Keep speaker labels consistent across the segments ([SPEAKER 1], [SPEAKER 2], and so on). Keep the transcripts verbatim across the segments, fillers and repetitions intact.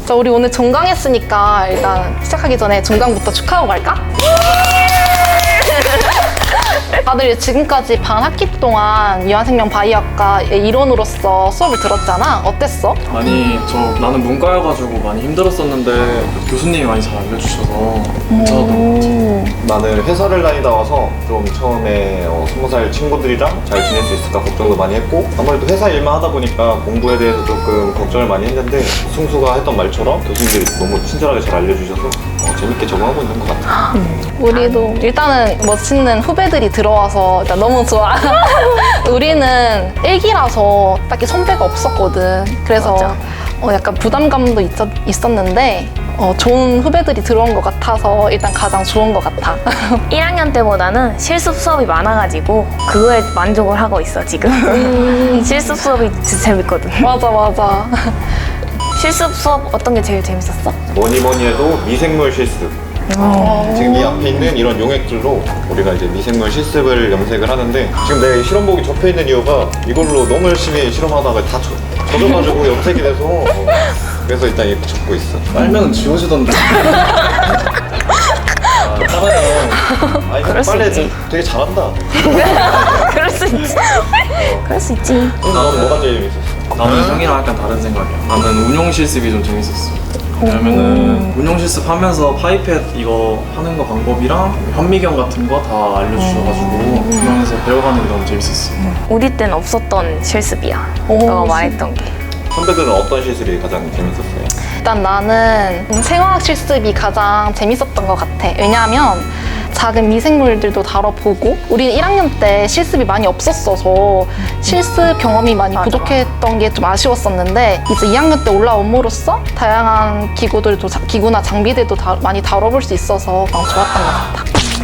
[SPEAKER 1] 자, 우리 오늘 종강했으니까 일단 시작하기 전에 종강부터 축하하고 갈까? 다들 지금까지 반 학기 동안 유한생명 바이오학과의 일원으로서 수업을 들었잖아. 어땠어?
[SPEAKER 2] 아니 저 나는 문과여가지고 많이 힘들었었는데 교수님이 많이 잘 알려주셔서 괜찮았던 것 같아.
[SPEAKER 3] 나는 회사를 다니다 와서 좀 처음에 어, 스무 살 친구들이랑 잘 지낼 수 있을까 걱정도 많이 했고, 아무래도 회사 일만 하다 보니까 공부에 대해서 조금 걱정을 많이 했는데 승수가 했던 말처럼 교수님들이 너무 친절하게 잘 알려주셔서 어, 재밌게 적응하고 있는 것 같아.
[SPEAKER 1] 우리도 일단은 멋있는 후배들이 들어와서 일단 너무 좋아. 우리는 일기라서 딱히 선배가 없었거든. 그래서
[SPEAKER 4] 맞아.
[SPEAKER 1] 어, 약간 부담감도 있었, 있었는데 어, 좋은 후배들이 들어온 것 같아서 일단 가장 좋은 것 같아.
[SPEAKER 4] 일 학년 때보다는 실습 수업이 많아가지고 그거에 만족을 하고 있어 지금. 실습 수업이 진짜 재밌거든.
[SPEAKER 1] 맞아 맞아.
[SPEAKER 4] 실습 수업 어떤 게 제일 재밌었어?
[SPEAKER 3] 뭐니 뭐니 해도 미생물 실습. 지금 이 앞에 있는 이런 용액들로 우리가 이제 미생물 실습을 염색을 하는데, 지금 내 실험복이 접혀 있는 이유가 이걸로 너무 열심히 실험하다가 다 젖, 젖어가지고 염색이 돼서 어, 그래서 일단 이렇게 접고 있어.
[SPEAKER 2] 빨면 지워지던데. 아, 따라요.
[SPEAKER 3] 아니
[SPEAKER 4] 그럴 수
[SPEAKER 3] 빨래
[SPEAKER 4] 있지.
[SPEAKER 3] 되게 잘한다.
[SPEAKER 4] 그럴 수 있지. 그럴 수 있지.
[SPEAKER 3] 넌 뭐가 제일 재밌었어?
[SPEAKER 2] 나는 형이랑 약간 다른 생각이야. 나는 운용 실습이 좀 재밌었어. 왜냐면은 운용 실습 하면서 파이펫 이거 하는 거 방법이랑 현미경 같은 거 다 알려주셔가지고 그러면서 배워가는 게 너무 재밌었어.
[SPEAKER 4] 우리 땐 없었던 실습이야.
[SPEAKER 1] 오,
[SPEAKER 4] 너가 말했던 게.
[SPEAKER 3] 선배들은 어떤 실습이 가장 재밌었어요?
[SPEAKER 1] 일단 나는 생화학 실습이 가장 재밌었던 것 같아. 왜냐하면 작은 미생물들도 다뤄보고, 우리 일 학년 때 실습이 많이 없었어서 실습 경험이 많이
[SPEAKER 4] 맞아,
[SPEAKER 1] 부족했던 게 좀 아쉬웠었는데, 이제 이 학년 때 올라옴으로써 다양한 기구들도 자- 기구나 장비들도 다, 많이 다뤄볼 수 있어서 너무 좋았던 것 같아.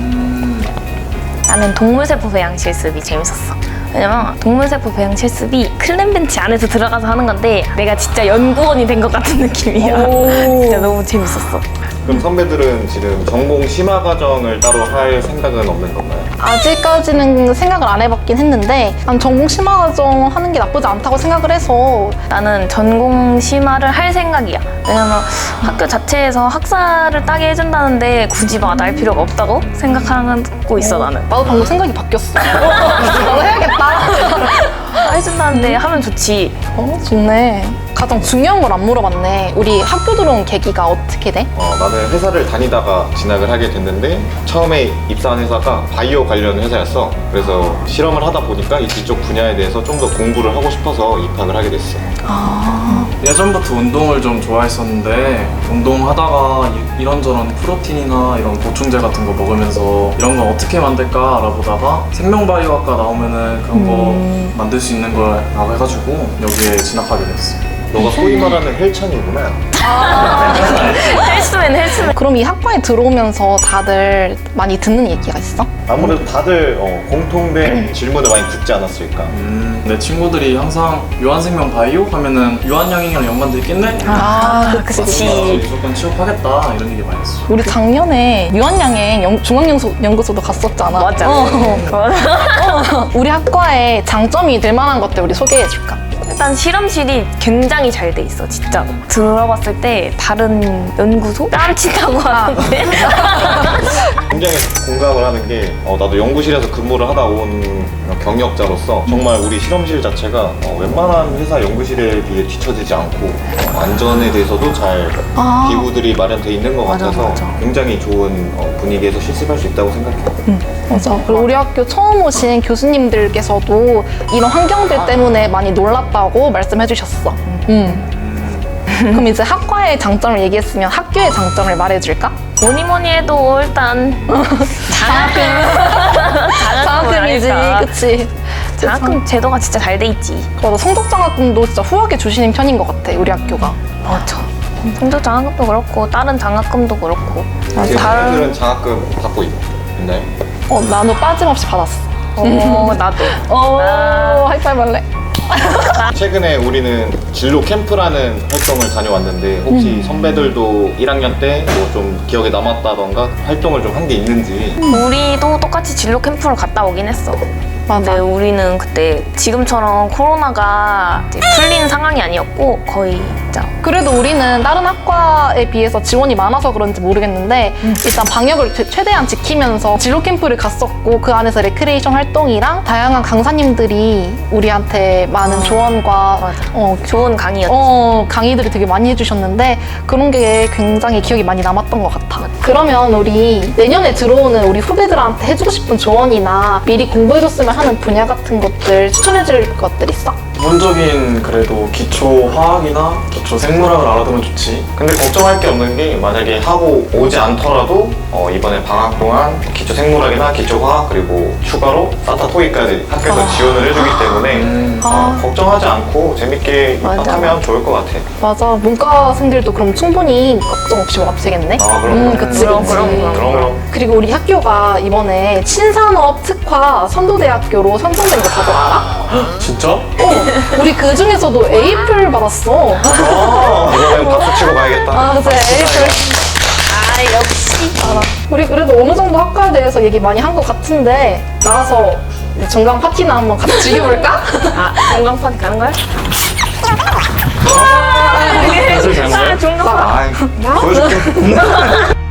[SPEAKER 4] 나는 동물세포 배양 실습이 재밌었어. 왜냐면 동물세포 배양 실습이 클램벤치 안에서 들어가서 하는 건데 내가 진짜 연구원이 된 것 같은 느낌이야. 진짜 너무 재밌었어.
[SPEAKER 3] 그럼 선배들은 지금 전공 심화 과정을 따로 할 생각은 없는 건가요?
[SPEAKER 1] 아직까지는 생각을 안 해봤긴 했는데, 난 전공 심화 과정 하는 게 나쁘지 않다고 생각을 해서.
[SPEAKER 4] 나는 전공 심화를 할 생각이야. 왜냐면 학교 자체에서 학사를 따게 해준다는데 굳이 막 날 필요가 없다고 생각하고 있어 나는.
[SPEAKER 1] 나도 방금 생각이 바뀌었어. 나도 해야겠다.
[SPEAKER 4] 해준다는데 하면 좋지.
[SPEAKER 1] 어, 좋네. 가장 중요한 걸 안 물어봤네. 우리 학교 들어온 계기가 어떻게 돼?
[SPEAKER 3] 어, 나는 회사를 다니다가 진학을 하게 됐는데, 처음에 입사한 회사가 바이오 관련 회사였어. 그래서 실험을 하다 보니까 이쪽 분야에 대해서 좀 더 공부를 하고 싶어서 입학을 하게 됐어.
[SPEAKER 2] 예전부터 운동을 좀 좋아했었는데 운동하다가 이- 이런저런 프로틴이나 이런 보충제 같은 거 먹으면서 이런 건 어떻게 만들까 알아보다가 생명바이오학과 나오면은 그런 거 만들 수 있는 거라고 해가지고 여기에 진학하게 됐어.
[SPEAKER 3] 너가 소위 말하는 헬창이구나.
[SPEAKER 4] 헬스맨 헬스맨.
[SPEAKER 1] 그럼 이 학과에 들어오면서 다들 많이 듣는 얘기가 있어?
[SPEAKER 3] 아무래도 다들 어, 공통된 질문을 많이 듣지 않았을까.
[SPEAKER 2] 음, 내 친구들이 항상 유한생명 바이오 하면은 유한양행이랑 연관돼 있겠네?
[SPEAKER 1] 아,
[SPEAKER 4] 그치.
[SPEAKER 2] 나도 무조건 취업하겠다 이런 얘기 많이 했어.
[SPEAKER 1] 우리 작년에 유한양행 중앙연구소도 갔었잖아.
[SPEAKER 4] 맞아.
[SPEAKER 1] 어.
[SPEAKER 4] 맞아.
[SPEAKER 1] 어. 우리 학과에 장점이 될 만한 것들 우리 소개해줄까?
[SPEAKER 4] 일단 실험실이 굉장히 잘 돼 있어 진짜. 들어봤을 때 다른 연구소 깜찍하고 하는데.
[SPEAKER 3] 굉장히 공감을 하는 게, 어, 나도 연구실에서 근무를 하다 온 경력자로서 정말 우리 실험실 자체가 어, 웬만한 회사 연구실에 비해 뒤처지지 않고 어, 안전에 대해서도 잘
[SPEAKER 1] 아.
[SPEAKER 3] 기구들이 마련돼 있는 것
[SPEAKER 1] 맞아,
[SPEAKER 3] 같아서
[SPEAKER 1] 맞아.
[SPEAKER 3] 굉장히 좋은 어, 분위기에서 실습할 수 있다고 생각해.
[SPEAKER 1] 맞아. 그리고 우리 학교 처음 오신 교수님들께서도 이런 환경들 때문에 많이 놀랐다고 말씀해 주셨어. 음. 그럼 이제 학과의 장점을 얘기했으면 학교의 장점을 말해줄까?
[SPEAKER 4] 뭐니 뭐니 해도 일단 장학금.
[SPEAKER 1] 장학금이지,
[SPEAKER 4] 아닐까.
[SPEAKER 1] 그치?
[SPEAKER 4] 장학금 제도가 진짜 잘 돼 있지.
[SPEAKER 1] 맞아. 성적 장학금도 진짜 후하게 주시는 편인 것 같아, 우리 학교가.
[SPEAKER 4] 맞아. 성적 장학금도 그렇고 다른 장학금도 그렇고.
[SPEAKER 3] 지금
[SPEAKER 4] 다른-
[SPEAKER 3] 선배들은 장학금 받고 있, 있나요?
[SPEAKER 1] 어, 나도 빠짐없이 받았어.
[SPEAKER 4] 어 나도.
[SPEAKER 1] 오,
[SPEAKER 4] 아.
[SPEAKER 1] 하이파이브 할래?
[SPEAKER 3] 최근에 우리는 진로 캠프라는 활동을 다녀왔는데, 혹시 선배들도 일 학년 때 뭐 좀 기억에 남았다던가 활동을 좀 한 게 있는지.
[SPEAKER 4] 우리도 똑같이 진로 캠프를 갔다 오긴 했어.
[SPEAKER 1] 맞아.
[SPEAKER 4] 근데 우리는 그때 지금처럼 코로나가 이제 풀린 상황이 아니었고 거의 맞아.
[SPEAKER 1] 그래도 우리는 다른 학과에 비해서 지원이 많아서 그런지 모르겠는데 일단 방역을 최- 최대한 지키면서 진로 캠프를 갔었고 그 안에서 레크레이션 활동이랑 다양한 강사님들이 우리한테 많은 조언과
[SPEAKER 4] 맞아.
[SPEAKER 1] 어,
[SPEAKER 4] 좋은 강의였지.
[SPEAKER 1] 어, 강의들을 되게 많이 해주셨는데 그런 게 굉장히 기억이 많이 남았던 것 같아. 그러면 우리 내년에 들어오는 우리 후배들한테 해주고 싶은 조언이나 미리 공부해줬으면 하는 분야 같은 것들 추천해줄 것들 있어?
[SPEAKER 2] 기본적인 그래도 기초 화학이나 기초 생물학을 알아두면 좋지.
[SPEAKER 3] 근데 걱정할 게 없는 게 만약에 하고 오지 않더라도 어, 이번에 방학 동안 기초 생물학이나 기초 화학 그리고 추가로 사타 토익까지 학교에서
[SPEAKER 1] 아.
[SPEAKER 3] 지원을 해주기 때문에
[SPEAKER 2] 음.
[SPEAKER 3] 어,
[SPEAKER 1] 아.
[SPEAKER 3] 걱정하지 않고 재밌게
[SPEAKER 4] 맞아.
[SPEAKER 3] 입학하면 좋을 것 같아.
[SPEAKER 1] 맞아. 문과생들도 그럼 충분히 걱정 없이 와도 되겠네?
[SPEAKER 3] 아, 그럼,
[SPEAKER 1] 음,
[SPEAKER 3] 그럼.
[SPEAKER 1] 그치,
[SPEAKER 4] 그럼,
[SPEAKER 1] 그치.
[SPEAKER 4] 그럼, 그럼.
[SPEAKER 3] 그럼 그럼.
[SPEAKER 1] 그리고 우리 학교가 이번에 신산업 특화 선도대학교로 선정된 거 다들 알아?
[SPEAKER 2] 진짜?
[SPEAKER 1] 어, 우리 그 중에서도 에이플 받았어.
[SPEAKER 3] 아, 이번엔 박수 치고 가야겠다.
[SPEAKER 1] 아, 그치, 에이플.
[SPEAKER 4] 아, 역시.
[SPEAKER 1] 알아. 우리 그래도 어느 정도 학과에 대해서 얘기 많이 한 것 같은데 나가서 우리 정강 파티나 한번 같이 즐겨볼까?
[SPEAKER 4] 아, 중간판에 가는 거야?
[SPEAKER 2] 사실 잘
[SPEAKER 4] 아, 중간판.
[SPEAKER 3] 아이, 보여줄게.